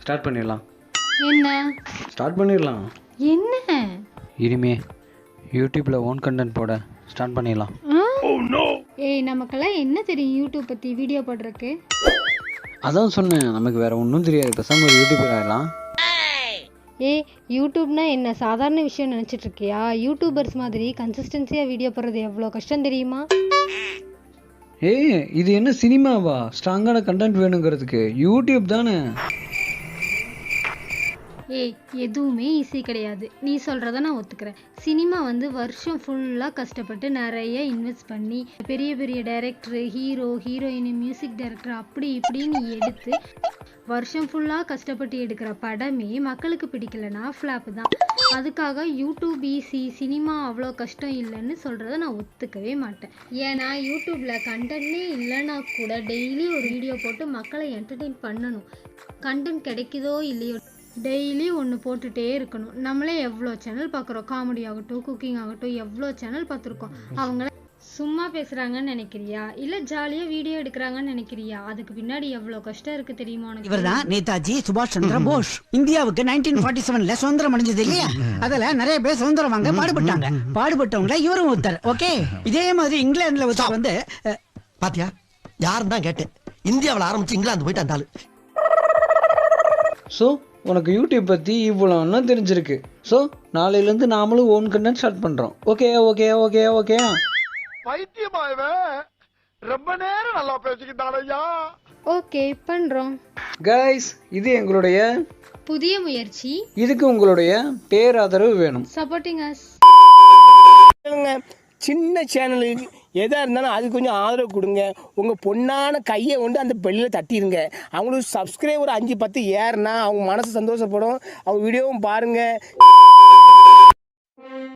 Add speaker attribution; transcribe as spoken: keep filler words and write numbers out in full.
Speaker 1: Start பண்ணிடலாம்.
Speaker 2: என்ன
Speaker 1: start பண்ணிடலாம்.
Speaker 2: என்ன
Speaker 1: இனிமே யூடியூப்பில் ஓன் கண்டென்ட் போட ஸ்டார்ட் பண்ணிடலாம்.
Speaker 2: ஏய் நமக்கெல்லாம் என்ன தெரியும் யூடியூப் பற்றி வீடியோ போடுறதுக்கு?
Speaker 1: அதான் சொன்னேன், நமக்கு வேறு ஒன்றும் தெரியாது, பேசாமல் ஒரு யூடியூபர் ஆகிடலாம்.
Speaker 2: ஏய் யூடியூப்னா என்ன சாதாரண விஷயம் நினச்சிட்டு இருக்கியா? யூடியூபர்ஸ் மாதிரி கன்சிஸ்டன்சியாக வீடியோ போடுறது எவ்வளோ கஷ்டம் தெரியுமா?
Speaker 1: ஏய் இது என்ன சினிமாவா? ஸ்ட்ராங்கான கண்டென்ட் வேணுங்கிறதுக்கு யூடியூப் தானே.
Speaker 2: ஏய் எதுவுமே ஈஸி கிடையாது. நீ சொல்கிறத நான் ஒத்துக்கிறேன். சினிமா வந்து வருஷம் ஃபுல்லாக கஷ்டப்பட்டு நிறைய இன்வெஸ்ட் பண்ணி பெரிய பெரிய director, hero, heroine, music director அப்படி இப்படின்னு எடுத்து வருஷம் ஃபுல்லாக கஷ்டப்பட்டு எடுக்கிற படமே மக்களுக்கு பிடிக்கலனா ஃப்ளாப்பு தான். அதுக்காக யூடியூப் ஈஸி, சினிமா அவ்வளோ கஷ்டம் இல்லைன்னு சொல்கிறத நான் ஒத்துக்கவே மாட்டேன். ஏன்னா யூடியூப்பில் கண்டென்ட்னே இல்லைன்னா கூட டெய்லி ஒரு வீடியோ போட்டு மக்களை என்டர்டெயின் பண்ணணும். கண்டென்ட் கிடைக்குதோ இல்லையோ டெய்லி ஒன்று போட்டுகிட்டே இருக்கணும். நம்மளே எவ்வளோ சேனல் பார்க்குறோம், காமெடி ஆகட்டும், குக்கிங் ஆகட்டும், எவ்வளோ சேனல் பார்த்துருக்கோம். அவங்கள சும்மா பேசுகிறாங்கன்னு நினைக்கிறியா இல்லை ஜாலியாக வீடியோ எடுக்கிறாங்கன்னு நினைக்கிறியா? அதுக்கு பின்னாடி எவ்வளோ கஷ்டம் இருக்குது தெரியுமா உனக்கு?
Speaker 3: இவர்தான் நேதாஜி சுபாஷ் சந்திர போஸ். இந்தியாவுக்கு நைன்டீன் ஃபார்ட்டி செவன்ல சுதந்திரம் அடைஞ்சது இல்லையா? அதுல நிறைய பேர் சுதந்திரம் வாங்க பாடுபட்டாங்க. பாடுபட்டவங்கள இவரும் ஒருத்தர். ஓகே, இதே மாதிரி இங்கிலாந்துல ஒருத்தர் வந்து
Speaker 4: பாத்தியா, யாரும் தான் கேட்டேன், இந்தியாவில் ஆரம்பிச்சு இங்கிலாந்து போயிட்டு அந்த ஆளு.
Speaker 1: ஸோ உனக்கு யூடியூப் பற்றி இவ்வளோ இன்னும் தெரிஞ்சிருக்கு. ஸோ நாளையிலேருந்து நாமளும் ஓன் கண்டென்ட் ஸ்டார்ட் பண்ணுறோம். ஓகே ஓகே ஓகே ஓகே
Speaker 5: பைத்தியமாயவன் ரொம்ப நேரம் நல்லா பேசிக்கிட்டானையா.
Speaker 2: ஓகே பண்ணுறோம்.
Speaker 1: கைஸ், இது எங்களுடைய
Speaker 2: புதிய முயற்சி.
Speaker 1: இதுக்கு உங்களுடைய பேராதரவு வேணும்.
Speaker 2: Supporting us.
Speaker 6: சின்ன சேனலுக்கு எதாக இருந்தாலும் அது கொஞ்சம் ஆதரவு கொடுங்க. உங்கள் பொண்ணான கையை கொண்டு அந்த பெல்லில் தட்டிடுங்க. அவங்களுக்கு சப்ஸ்கிரைபர் அஞ்சு பத்து ஏறுனா அவங்க மனசு சந்தோஷப்படும். அவங்க வீடியோவும் பாருங்கள்.